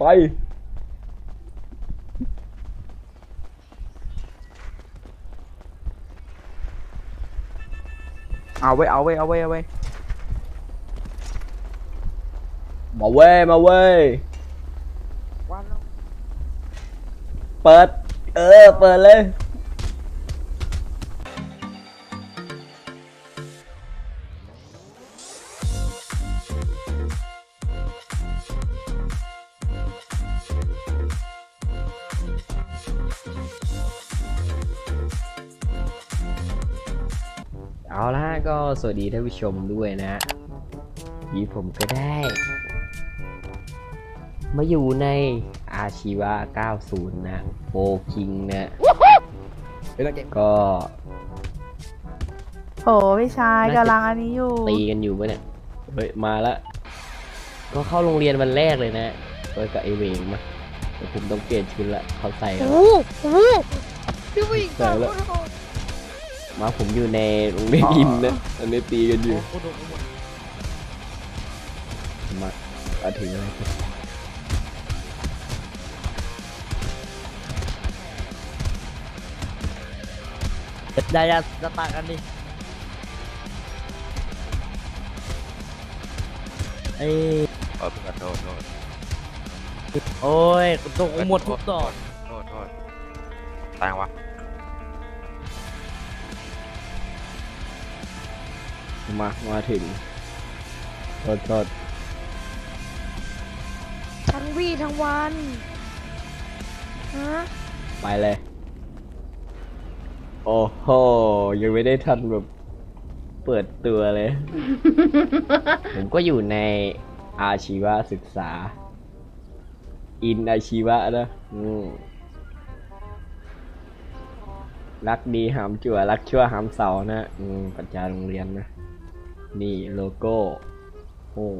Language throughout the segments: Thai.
ไปเอาไว้มาเว้ยเปิดเปิดเลยเอาละก็สวัสดีท่านผู้ชมด้วยนะที่ผมก็ได้มาอยู่ในอาชีวะ90นะโฟคิงนะก็โหพี่ชายกำลังอันนี้อยู่ตีกันอยู่ปะเนี่ยเฮ้ยมาแล้วก็เข้าโรงเรียนวันแรกเลยนะโดยกับไอเวงมาแต่ผมต้องเปลี่ยนชุดละเขาใส่แล้วใส่แล้วมาผมอยู่ในโรงเรียนอินนะอันนี้ตีกันอยู่มาถึงอะไรได้จะตากันดิไอ้ขอโทษโอ้ยตกหมดทุกดอกโทษตายวะมาถึงโทษทั้งวี่ทั้งวันฮะไปเลยโอ้โหยังไม่ได้ทันแบบเปิดตัวเลย ผมก็อยู่ในอาชีวศึกษาอินอาชีวะนะรักดีหามจั่วรักชั่วหามเสานะปัญญาโรงเรียนนะนี่โลโก้โอ้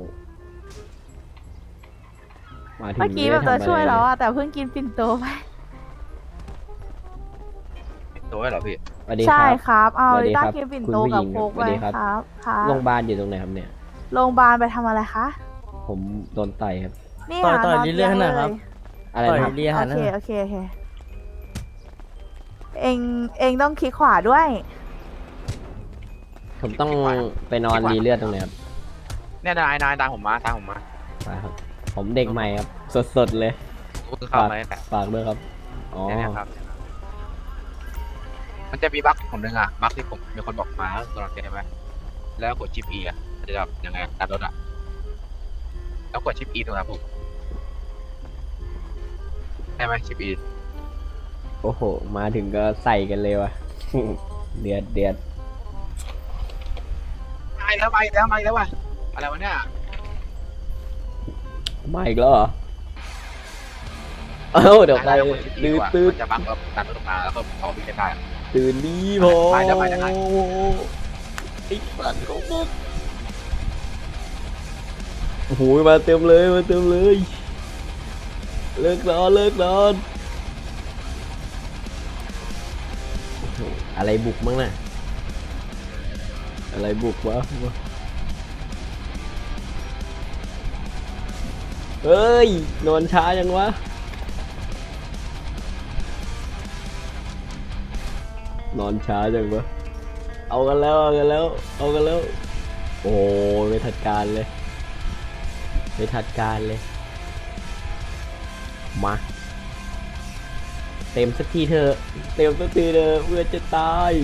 มาถึงเมื่อกี้แบบจะช่วยแล้วอะแต่เพิ่งกินปิ่นโตไปตัวเหรอพี่ใช่ครับเอาลิต้ากินปิ่นโตกับโค้กไปครับโรงพยาบาลอยู่ตรงไหนครับเนี่ยโรงพยาบาลไปทำอะไรคะผมโดนต่อยครับนี่ต่อยเรื่อยๆนะครับอะไรนะโอเคเองต้องคลิกขวาด้วยผมต้องไปนอนรีเลือดตรงไหนครับเนี่ยนายตามผมมาไปครับผมเด็กใหม่ครับสดเลยเข้ามาได้แต่ฝากด้วยครับอ๋อเนี่ยครับมันจะมีบั๊กผมนึงอ่ะบั๊กที่ผมมีคนบอกมาตลอดใช่ไหมแล้วกดชิป E อ่ะจะแบบยังไงตัดรถอ่ะแล้วกดชิป E ตรงนั้นผมใช่ไหมชิป E โอ้โหมาถึงก็ใส่กันเลยวะ เดือดมาแล้วว่ะอะไรวะเนี่ยมาอีกแล้วเหรอเอ้าเดี๋ยวไปตื่นจะบั๊กแบบตัดรถมาแล้วก็พอวิ่งได้ตื่นดีพอไปได้ไอ้สัตว์ของมึงโอ้โหมาเต็มเลยเลิกนอนอะไรบุกมั้งน่ะอะไรบุกวะเฮ้ยนอนช้ายังวะนอนช้าจังวะเอากันแล้วโอ้ไม่ทัดการเลยมาเต็มสักทีเถอะเพื่อจะตาย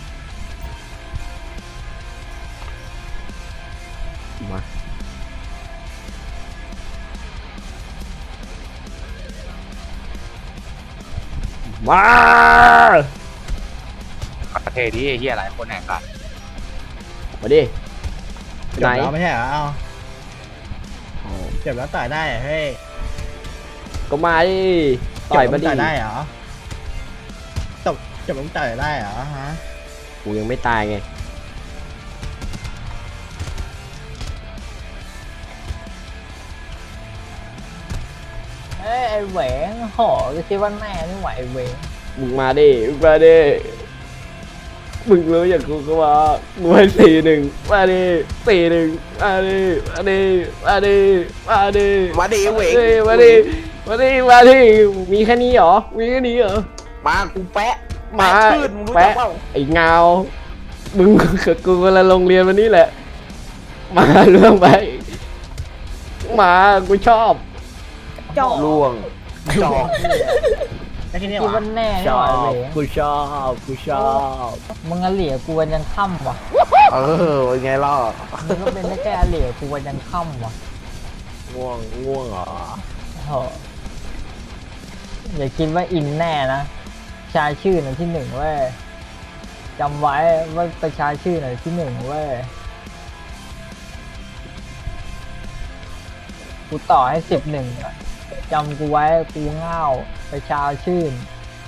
มาประเทศนี้เฮียหลายคนแหกกันมาดิไหนไม่ใช่เหรอเจ็บแล้วต่อยได้เฮ้ยก็มาดิต่อยมาดิได้เหรอเจ็บแล้วต่อยได้เหรอฮะกูยังไม่ตายไงไอ้แหวนหอจะคิดว่าแม่ไม่ไหวเว้ยมึงมาดิมึงรู้อย่างกูก็ว่ามึงให้4-1มาดิ4-1มาดิมาดิเวกมาดิมาดิมีแค่นี้เหรอมีแค่นี้เหรอมากูแปะมาขึ้นมึงรู้จัแปะกเปล่าไอ้เงามึงกับกูคนละโรงเรียนวันนี้แหละ มาเรื่องไปมากูชอบจอกล่วงจอกได้แค่นี้คิดวะว่าแน่ชนี่หอว่าบเหลยกูชอบกูชอบมึงอะเหลี่ยกูวันยันค่ำว่ะเป็นไงล่ะมึงก็เป็นได้แค่เหลี่ยกูวันยันค่ำว่ะง่วงเหรอโธ่อย่าคิดว่าอินแน่นะชายชื่อหน่อยที่หนึ่งเว้ยจำไว้ว่าประชาชื่อหน่อยที่หนึ่งเว้ยกูต่อให้11อ่ะจำกูไว้กูเง่าประชาชื่น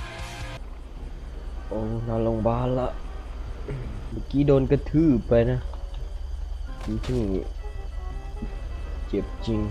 โอ้นอนโรงพยาบาลละเมื่อกี้โดนกระทืบไปนะจริงๆเจ็บจริง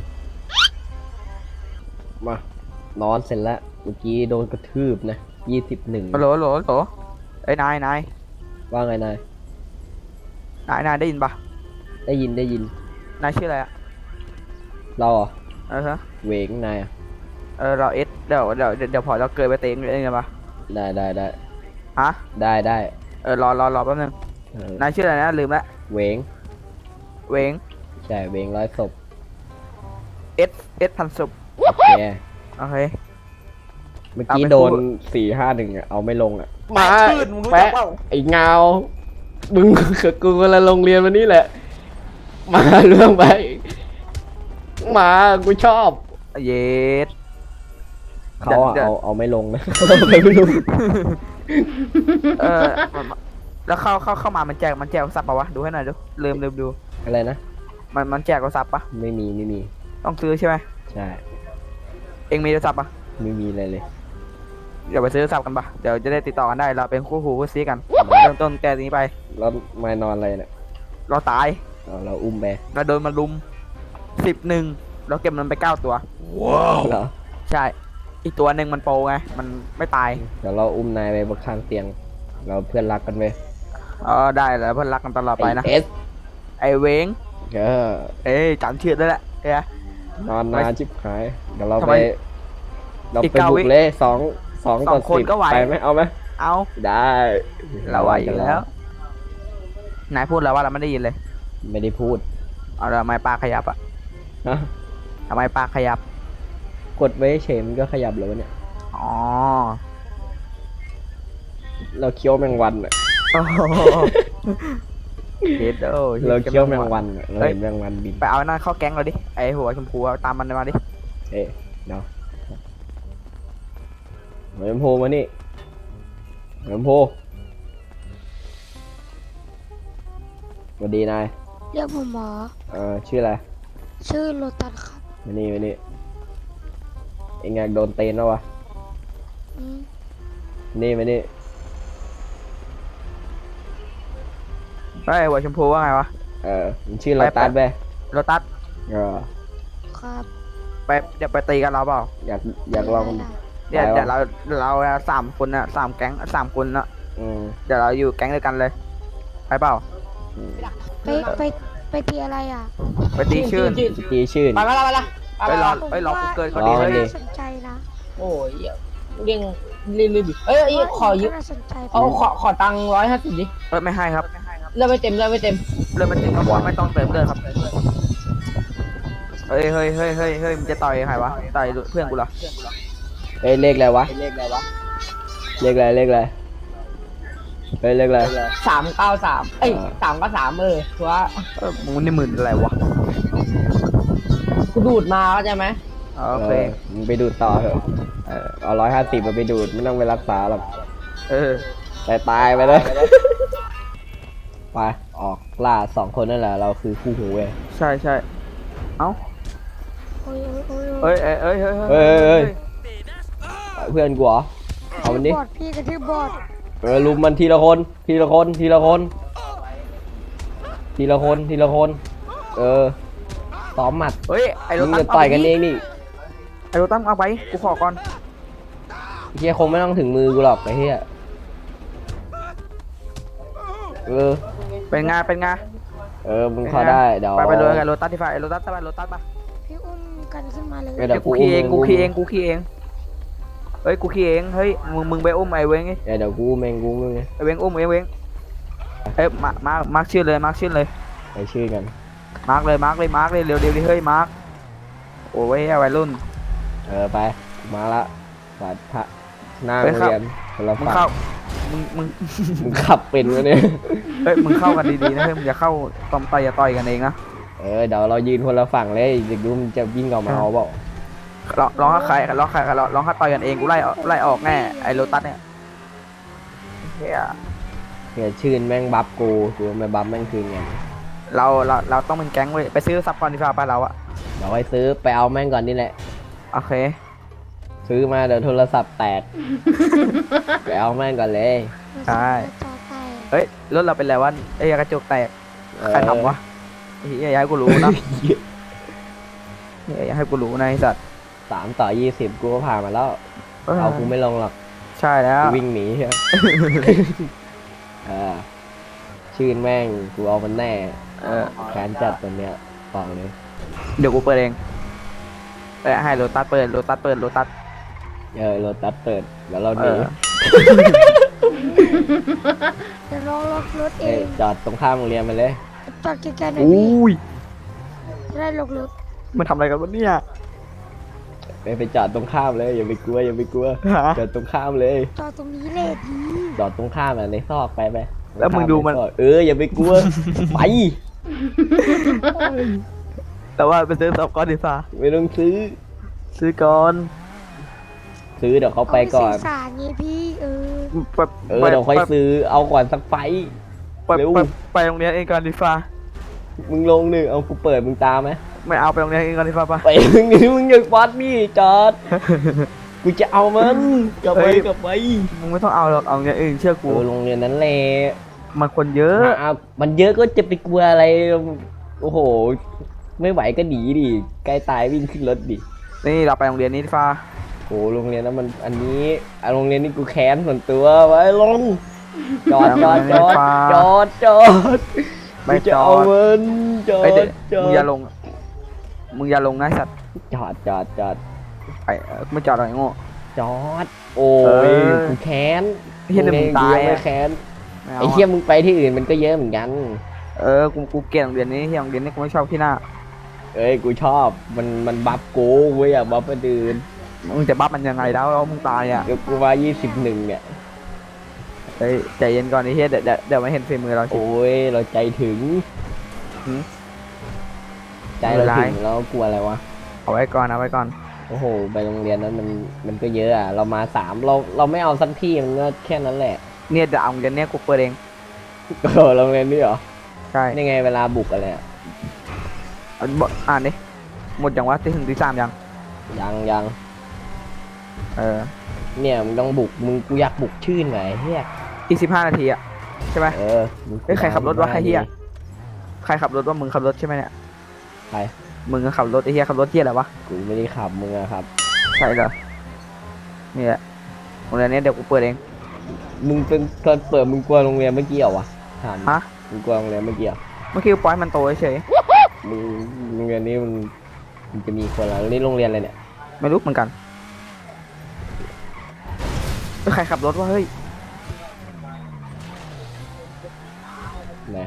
มานอนเสร็จแล้วเมื่อกี้โดนกระทืบนะ21 ฮัลโหลฮัลโหลฮัลโหลเอ้ยนายว่าไงนายได้ยินปะได้ยินนายชื่ออะไรอะเราเหรอฮะเหวงนายอะเราเอสเดี๋ยวพอเราเกิดไปเต็งเองไงปะได้ฮะได้รอแป๊บนึงเออนายชื่ออะไรนะลืมละเหวงเวงใช่เหวงร้อยศพเอสพันสุบโอเคโอเคเมื่อกี้เอาไปโดนพูด 451อ่ะเอาไม่ลงอ่ะแปะขึ้นมึงรู้จักเปล่าไอ้เงามึงกับกูคนละโรงเรียนวันนี้แหละ มาเรื่องไปมากูชอบเยสเขาอะเดี๋ยวเอาไม่ลงนะ เอาไม่ลงเออแล้วเข้ามามันแจกซับปะวะดูให้หน่อยดูลืมดูอะไรนะมันแจกซับปะไม่มีต้องซื้อใช่ไหมใช่เองมีโทรศัพท์ปะไม่มีอะไรเลยเดี๋ยวไปซื้อโทรศัพท์กันปะเดี๋ยวจะได้ติดต่อกันได้เราเป็นคู่หูคู่ซีกันเริ่มต้นแกนี้ไปแล้วมานอนอะไรเนี่ยเราตายเราอุ้มไปเราโดนมาลุม11เราเก็บมันไป9ตัวเหรอใช่ อีกตัวหนึ่งมันโปรไง มันไม่ตายเดี๋ยวเราอุ้มนายไปบนข้างเตียง เราเพื่อนรักกันไปได้แล้วเพื่อนรักกันตลอดไปนะเอสไอเวงเออเอ้ยจำชื่อได้แหละเอ้ยนอนนานชิบหาย เดี๋ยวเราทำไปไมเราอีกไปเก้าบุวิกเลยสองสองต่อคน 10 ก็ไหวไปไหมเอาไหมเอาได้เราไหวอยู่แล้ว นายพูดแล้วว่าเราไม่ได้ยินเลยไม่ได้พูดเอาทำไมปากขยับอ่ะฮะทำไมปากขยับกดไว้เฉยมันก็ขยับเลยวะเนี่ยอ๋อเราเคี้ยวแมงวันอะเฮ็ดโอ้เราเคี้ยวแมงวันอะเราเห็นแมงวันบินไปเอาหน้าเข้าแก๊งเราดิ ไอหัวชมพูอะตามมันมาดิเอ๊ะเนาะเหมือนโพมานี่เหมือนโพสวัสดีนายเรียกผมหมอชื่ออะไรชื่อโลตัสครับมานี่เอ็งอยากโดนเตนแล้ววะอืมนี่มานี่ไอหัวชมพูว่าไงวะมันชื่อโรตัสไปโรตัสเออครับเดี๋ยวไปตีกันเราเปล่าอยากลองได้เดี๋ยวไปวะเดี๋ยวเรา3 คนนะ3 แก๊ง3 คนนะอืมเดี๋ยวเราอยู่แก๊งเดียวกันเลย ไปเปล่าไปตีอะไรอ่ะไปตีชื่นตีชื่นไปละไปรอผมไปรอว่ากูเกินรก่อนอดีกัเลนดิยน่าสนใจนะโอ้ยเรียงรีบดิเอ้ยขอยืมน่าสนใจขอตังค์150ดิไม่ให้ครับเลือกไม่เต็มเริ่มเป็นติดก็บอกไม่ต้องเติมเลือดครับเฮ้ยมันจะต่อยใครวะต่อยเพื่อนกูเหรอเอ้ยเลขอะไรวะ เลขอะไรเฮ้ยเลขอะไร 393เอ้ย393ถือว่ามึงนี่หมื่นอะไรวะกูดูดมาเข้าใจไหมโอเคมึงไปดูดต่อเถอะเอา150มาไปดูดไม่ต้องไปรักษาหรอก ตายไปเลย ไปออกล่า2 คนนั่นแหละเราคือคู่หูเว้ยใช่เอ้าโอ้ยโอ้ยเฮ้ยเฮ้ย เพื่อนกูเหรอเอามันดิบอดพี่กระทืบบอดลุมมันทีละคน ซ้อมหมัดเฮ้ยไอโรมึงตัจะสต่อยกันเองนี่ไอโรตัสเอาไปกูขอก่อนเฮียคงไม่ต้องถึงมือกูหรอกไอ้เฮียเป็นไงมึงเข้าได้เดี๋ยวไปเลยกันโรตัสที่ฝ่ายไอโรตัสไปโรตัสปะพี่อุ้มกันขึ้นมาเลยเดี๋ยวกูขี่เองกูขี่เองกูขี่เองเฮ้ยกูขี่เองเฮ้ยมึงไปอุ้มไอ้เว้งไงเดี๋ยวกูเมงกูมึงไงไอ้เว้งอุ้มไอ้เว้งเอ้ยมาร์คชื่อเลยมาร์คชื่อเลยไปชื่อกันมาร์คเลยเร็วดิเฮ้ยมาร์คโอ้ยวัยรุ่นไปมาละบาดพระหน้าไปโรงครับเรียนคนละมึงฝั่เข้าง มึงมึงขับเป็นวะเนี่ยเฮ้ยมึงเข้ากันดีๆนะเฮ้ยมึงอย่าเข้าอย่าต่อยกันเองนะเดี๋ยวเรายืนคนละฝั่งเลยเด็กดูมันจะวิ่งออกมาเอาเปล่าร้องให้ใครร้องให้ต่อยกันเองกูไล่ออกแน่ไอ้โลตัสเนี่ยเฮียเนี่ยชื่นแม่งบัฟกูไม่บัฟแม่งคืนไงเราต้องเป็นแก๊งเว้ยไปซื้อซับก่อนดีกว่าไปเราอะเดี๋ยวไปซื้อไปเอาแม่งก่อนนี่แหละโอเคซื้อมาเดี๋ยวโทรศัพท์แตก ไปเอาแม่งก่อนเลยใช่จอแตกเฮ้ยรถเราเป็นไรวะไอ้กระจกแตกใครทำวะไอ้เฮียอย่าให้กูรู้นะอย่าให้กูรู้นะไอ้สัตว์ 3-20กูก็ผ่านมาแล้ว เอากูไม่ลงหรอกใช่แล้วกูวิ่งหนีใช่ไหม ชื่นแม่งกูเอามันแน่ แขนจัดตัวเนี้ยบอกเลยเดี๋ยวกูเปิดเองให้โลตัสเปิดโลตัสรถตัดเปิดแล้วเราหนีเดี๋ยวลองล็อกรถเอเอ้ยงจอดตรงข้ามโรงเรียนมาเลยจอดใกล้ๆหน่อยอุ้พี่ยจะได้ล็อกรถมันทำอะไรกันวะเนี่ยไปจอดตรงข้ามเลยอย่าไปกลัวจอดตรงข้ามเลยจอดตรงนี้เลยดีจอดตรงข้ามในซอกไปแล้วมึงดูมันใซอกอย่าไปกลัว ไปแต่ว่าไปซื้อซับก่อนดีฟ้าไม่ต้องซื้อซื้อก่อนซื้อเดี๋ยวเขาไปก่อนสื่อสารไงพี่แบบเดี๋ยวค่อยซื้อเอาก่อนสักไฟ เร็วไปโรงเรียนเองก่อนดีฟ้ามึงลงหนึ่งเอากูเปิดมึงตามไหมไม่เอาไปโรงเรียนเองก่อนดีฟ้าปะไปมึงนี่มึงอยากวัดนี่จอด กูจะเอามันกลับไปมึงไม่ต้องเอาหรอกเอาโรงเรียนอื่นเชื่อกูโรงเรียนนั้นแหละมันคนเยอะมันเยอะก็จะไปกลัวอะไร โอ้โห ไม่ไหวก็หนีดิใกล้ตายวิ่งขึ้นรถดินี่เราไปโรงเรียนนี้ดีฟ้าโอ้โรงเรียนนั้นมันอันนี้โรงเรียนนี้กูแค้นส่วนตัวไว้ลงจอดไม่กูจะเอามันจอไอเด็กดมึงอย่าลงนะไอ้สัตว์จอดไปไม่จอดหรอกไอ้โง่จอด โอ้ยกูแค้นเฮียเดี๋ยวมึงตายไม่อะแค้นไม่เอาไอ้เฮียมึงไปที่อื่นมันก็เยอะเหมือนกันกูเกลียดโรงเรียนนี้ที่โรงเรียนนี้กูไม่ชอบที่หน้าเอ้ยกูชอบมันบัฟกูเว้ยอยากบัฟคนอื่นมึงจะบัฟมันยังไงแล้วมึงตายอ่ะเดี๋ยวกูมา21เนี่ยเฮ้ยใจเย็นก่อนไอ้เฮียเดี๋ยวไม่เห็นฝีมือเราสิโอ้ยเราใจถึงหืมใจเราถึงแล้วกลัวอะไรวะเอาไว้ก่อนโอ้โหไปโรงเรียนนั้นมันก็เยอะอ่ะเรามา3เราไม่เอาสักที่มันก็แค่นั้นแหละเนี่ยเดี๋ยวเอาโรงเรียนเนี้ยกูเปิดเองโรงเรียนนี่เหรอใช่นี่ไงเวลาบุกอะไรอ่ะอ่านดิหมดยังวะที่ถึงที่3ยังยัง เนี่ยมึงต้องบุกกูอยากบุกชื่นหน่อยเฮียอีก15 นาทีอ่ะใช่ไหมมึงเฮ้ยใครขับรถวะใครเหี้ย ใครขับรถว่ามึงขับรถใช่ไหมเนี่ยใครมึงก็ขับรถไอ้เฮียขับรถเฮียอะไรวะกูไม่ได้ขับมึงอะครับใช่เหรอนี่แหละโรงเรียนนี้เดี๋ยวกูเปิดเองมึงเป็นตอนเปิดมึงกลัวโรงเรียนเมื่อกี้เหรอวะถามฮะมึงกลัวโรงเรียนเมื่อกี้เหรอเมื่อกี้กูปล่อยมันโตเฉยมึงโรงเรียนนี้มันจะมีคนแล้วนี่โรงเรียนอะไรเนี่ยไม่รู้เหมือนกันใครขับรถวะเฮ้ยไหน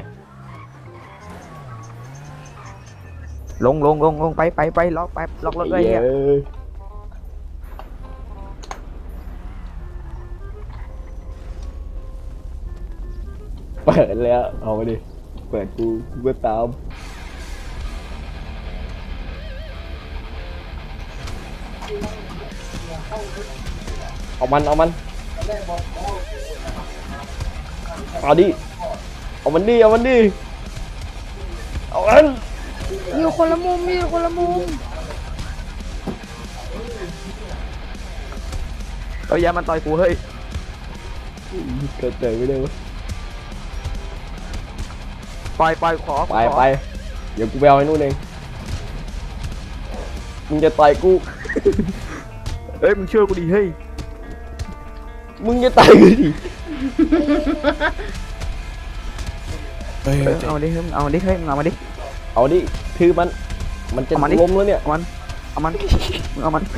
ลงไปล็อกรถด้วยเฮียเปิดแล้วเอามาดิเปิดกูก็ตามเอามันเอาดิเอามันดิเอามันอยู่คนละมุมเอาอย่ามันต่อยกูเฮ้ยเกิดเจอไม่ได้วะปล่อยขอไปเดี๋ยวกูไปเอาไอ้นู่นเองมึงจะต่อยกูเฮ้ยมึงเชื่อกูดิเฮ้ยมึงจะต่อยกูดิเอาดิเฮ้ยเอาดิเฮ้ยเอามาดิเอาดิคือมันจะเอามาดิล้มแล้วเนี่ยมันเอามันมึงเอามัน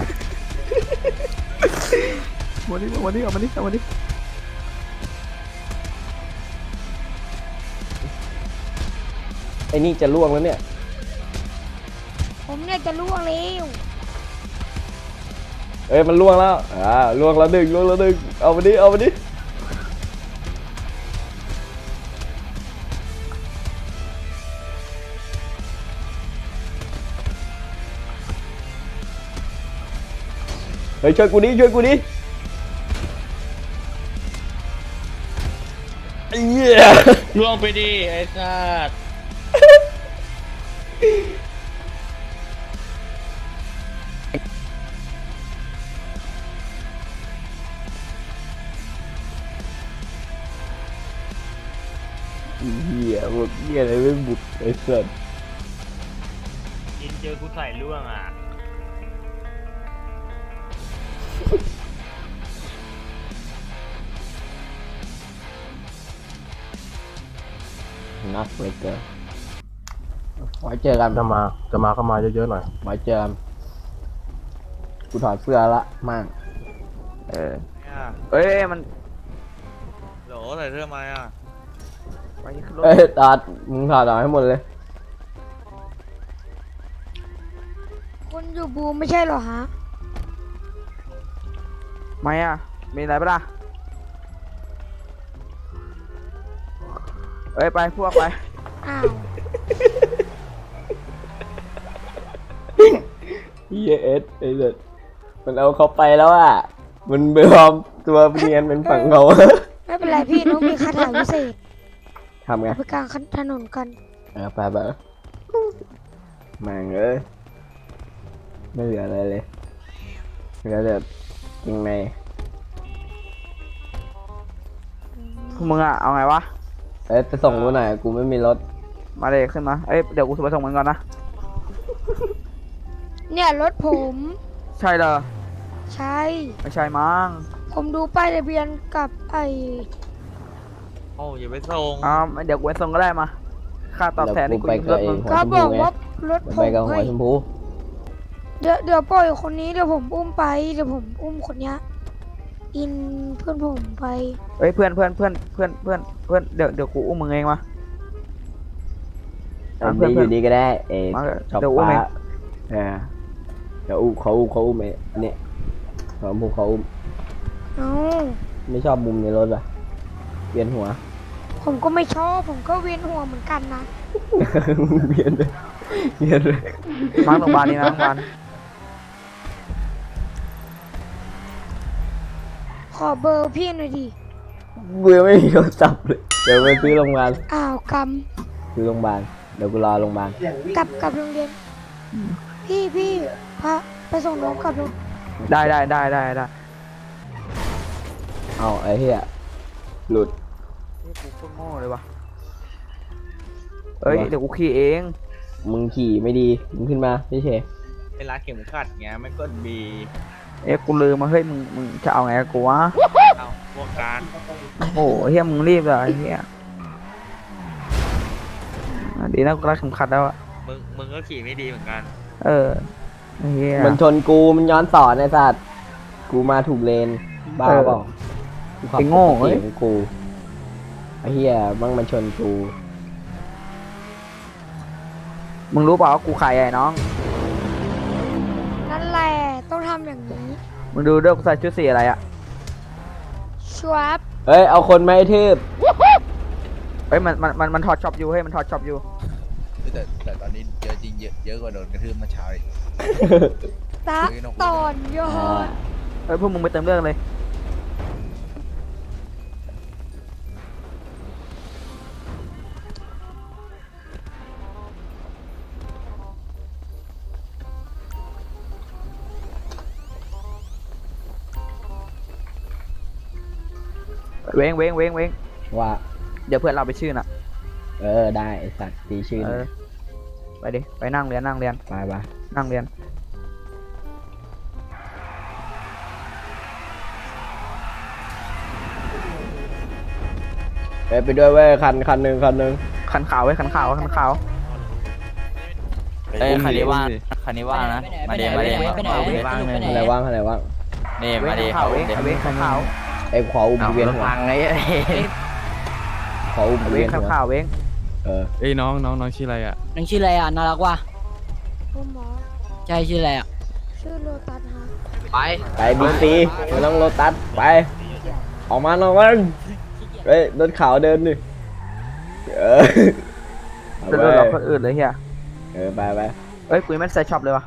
วันนี้เอามันดิไอ้นี่จะล่วงแล้วเนี่ยผมเนี่ยจะล่วงแล้วเอ้ยมันล่วงแล้วล่วงแล้วหนึ่งเอามาดิเฮ้ยช่วยกูดิไอ้เหี้ยล่วงไปดิไอ้สัสเหี้ยหมดเหี้ยอะไรไม่บุกไอ้สัสอินเจอกูใส่ล่วงอ่ะนักเลยเกินไว้เจอกันจะมาเยอะๆหน่อยไว้เจอกันกูถอดเสื้อละมั่งเอ้ยมันโหลใส่เสื้อมาอ่ะไปขึ้นรถเอ้ยตาดมึงถอดออกให้หมดเลยคุณอยู่บูมไม่ใช่เหรอฮะไม่อ่ะมีอะไรปะล่ะเอ้ยไปพวกไปอ้าวเหี้ยเอสไอ้สัสมันเอาเขาไปแล้วอ่ะมันไปปลอมตัวเนียนเป็นฝั่งเขาไม่เป็นไรพี่น้องมีคาถาพิเศษทำไงไปกลางถนนกันไปแม่งเอ้ยไม่เหลืออะไรเลยเหลือแต่ยังไงพวกมึงอ่ะเอาไงวะเอ้ยไปส่งกูหน่อยกูไม่มีรถมาเลยขึ้นมาเอ้ยเดี๋ยวกูไปส่งมึงก่อนนะเนี่ยรถผมใช่เหรอใช่ไม่ใช่มั้งผมดูป้ายทะเบียนกับไอโอ้อย่าไปส่งเดี๋ยวกูไปส่งก็ได้มาค่าตอบแทนเดี๋ที่ยวกูกูไปยืมกัรบถเอมึงงหัวก็ชมบพูอกไงว่ารถผไปมกับหัวเฮ้ยชมพูเดี๋ยวปล่อยคนนี้เดี๋ยวผมอุ้มไปเดี๋ยวผมอุ้มคนเนี้ยอินเพื่อนผมไปเอ้ยเพื่อนเดี๋ยวกูอุ้มมึงเองมาเอาดีอยู่ดีก็ได้เอ้ยมาเถอะชอบเดี๋ยวอุ้มป้าเองเดี๋ยวเขาอุ้มไอ้เนี่ยเขาอุ้มเอ้าไม่ชอบมุมในรถอ่ะเวียนหัวผมก็ไม่ชอบผมก็เวียนหัวเหมือนกันนะเวียนเลยมาโรงพยาบาลนี่นะโรงพยาบาลขอเบอร์พี่หน่อยดิกูยังไม่มีโทรศัพท์เลยเดี๋ยวไปซื้อโรงพยาบาลอ้าวกซื้อโรงพยาบาลเดี๋ยวกูรอโรงพยาบาลำกลับโรงเรียน พี่พาไปส่งน้องกลับโรงได้เอาไอ้เหี้ยหลุดกูโคตรโง่เลยวะเอ้ยเดี๋ยวกูขี่เองมึงขี่ไม่ดีมึงขึ้นมาพี่เชเวลาเข็มขัดเงี้ยไม่กดบีกูลืมมาเฮ้ยมึงจะเอาไงกับกูวะเอาพวกการโอ้โหเฮียมึงรีบเลยไอ้เฮียดีนะกูรักเข็มขัดแล้วอะมึงก็ขี่ไม่ดีเหมือนกันเออไอ้เฮียมันชนกูมันย้อนสอนไอ้สัตว์กูมาถูกเลนบ้าเปล่ากูขับไอ้โง่ปกเฮ้ติยของกูไอ้เหี้ยมั่งมันชนกูมึงรู้เปล่าว่ากูใครไอ้น้องนั่นแหละต้องทำอย่างนี้มึงดูด้วยกูใส่ชุดสีอะไรอะชวับเฮ้ยเอาคนไม่ทืบเฮ้ยมันถอดช็อปอยู่เฮ้ยมันถอดช็อปอยู่แต่ตอนนี้เยอะจริงเยอะกว่าโดนกระทืบเมื่อเช้าอีกตะตอนยอดเฮ้ยพวกมึงไปเติมเรื่องเลย เว้งว่าเดี๋ยวเพื่อนเราไปชื่อน่ะได้ไอ้สัตว์ตีชื่อเออไปดิไปนั่งเรียนไปนั่งเรียนไปด้วยเว้ยคันหนึ่งคันขาวไว้คันขาวเอ้ยคันนี้ว่างคันนี้ว่างนะมาเดมาเดว่างเลยอะไรว่างอะไรว่างนี่มาเดเว้งเว้งขาวไอ้ขออุ้มเอาเวียนรถหัวพังไงขออุ้มเว้เวียงนหัวขาวเว้งเออเอ้ยน้องชื่ออะไรอ่ะนังชื่ออะไรอ่ะน่ารักว่ะผมหมอใช่ชื่ออะไรอ่ะชื่อโลตัสฮะไปไปบิ๊กซีไม่ต้องโลตัสไป ออกมาหน่อยมันเฮ้ยรถขาวเดินดิเออเอาจะไปโดนเราคนอื่นเลยเฮียเออไปไปเอ้ยกูยังไม่ใส่ช็อปเลยวะ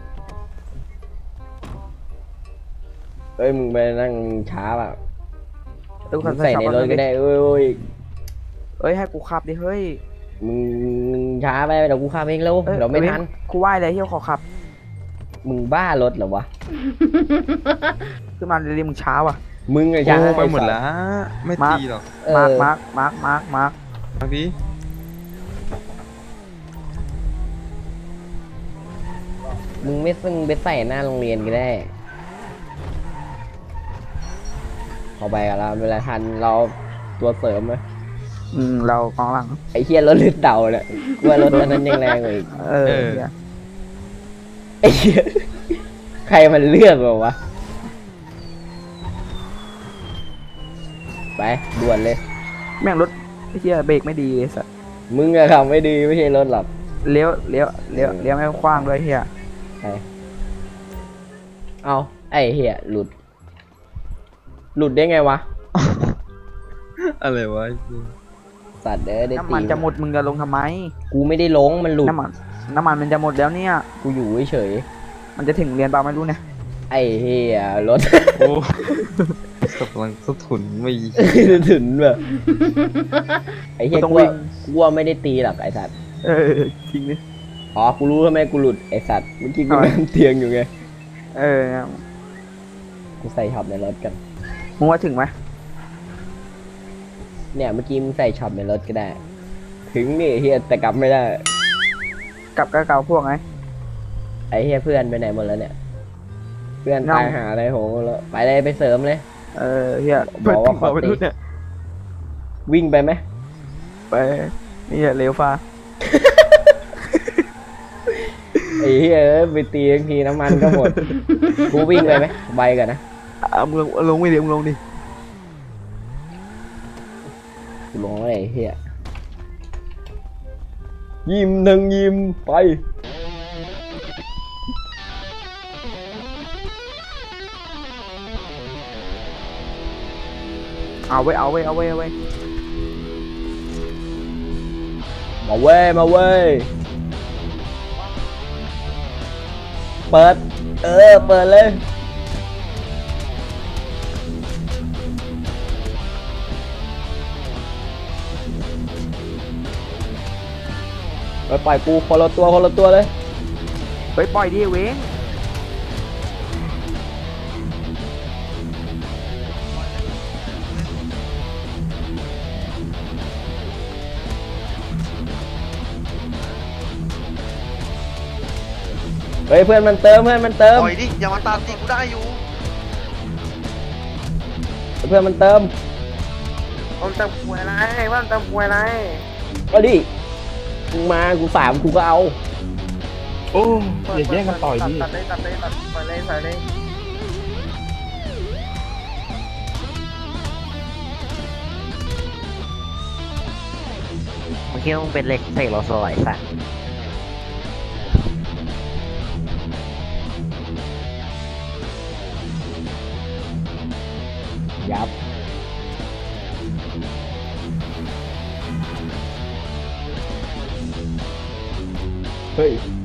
เอ้ยมึงไปนั่งช้าป่ะตู้มึคันงใส่ใส่ช็อปในรถก็ได้เอ้ยเอ้ยให้กูขับดิเฮ้ยมึงช้าไปเดี๋ยวกูขับเองเร็วเดี๋ยวไม่ทันกูไหว้เลยเฮียขอขับมึงบ้ารถเหรอวะขึ้นมาเรียมึงช้าว่ะมึงอะช้าไปหมดแล้ว ไม่มาร์คตีหรอกเอมาร์อคมาร์คบางทีมึงไม่ซึ่งไปใส่หน้าโรงเรียนก็ได้พอไปกันแล้วเวลาทันเราตัวเสริมไหมเรากองหลังไอ้เฮียรถลื่นเดาเนี่ยกูว่ารถอันนั้นยังแรงกว่าอีกเฮียไอ้เหี้ยใครมันเลือกแบบวะ ไปด่วนเลยแม่งรถเฮียเบรกไม่ดีสัสมึงอะขับไม่ดีไม่ใช่รถหรอกเลี้ยวไม่คว้างด้วยเฮียไปเอาไอ้เหี้ยหลุด หลุดได้ไงวะอะไรวะสัตว์ได้ตีน้ำมันจะหมดมึงจะลงทำไมกูไม่ได้ลงมันหลุดน้ำมันมันจะหมดแล้วเนี่ยกูอยู่เฉยมันจะถึงเรียนเปล่าไม่รู้เนี่ยๆไอ้เหี้ยรถโอ้กำลังสะทุนไม่ถึงแบบไอ้เหี้ยกูว่าไม่ได้ตีหรอกไอ้สัตว์จริงดิอ๋อกูรู้ทำไมกูหลุดไอ้สัตว์เมื่อกี้กูทำไมนั่งเตียงอยู่ไงเนี่ยกูใส่ช็อปในรถกันมึงว่าถึงไหมเนี่ยเมื่อกี้มึงใส่ช็อปในรถก็ได้ ถึงนี่เฮียแต่กลับไม่ได้กลับกับเก่าพวกไงไอ้เฮียเพื่อนไปไหนหมดแล้วเนี่ย เพื่อนน้องตายหาอะไรโหแล้วไปเลยไปเสริมเลยเฮียบอกว่าขอไปตีรุ่นเนี่ยวิ่งไปไหมไปนี่เร็วฟ้าไอ้เฮียเอ้ยไปตีบางทีน้ำมันก็หมด กูวิ่งไปไหมใบกันนะมึงลงไม่เดี๋ยวมึงลงดิกูลงแล้วไอ้เฮียยิ้มหนึ่งยิ้มไปเอาไว้มาเว้ยมาเว้ยเปิดเปิดเลยไปปล่อยกูคนละตัวเลยไปปล่อยดิเว้งเฮ้ยเพื่อนมันเติมปล่อยดิ อย่ามาตามตีกูได้อยู่เพื่อนมันเติมผมตะมวยไรว่าตะมวยไรก็ดิมึงมากูสามกูก็เอาโอ้อย่าแย่งกันต่อยดิตัดเลยปล่อยเลยใส่เลยมึงคิดว่ามึงเป็นเล็กเสกโลโซไอ้สัสยับเฮ้ย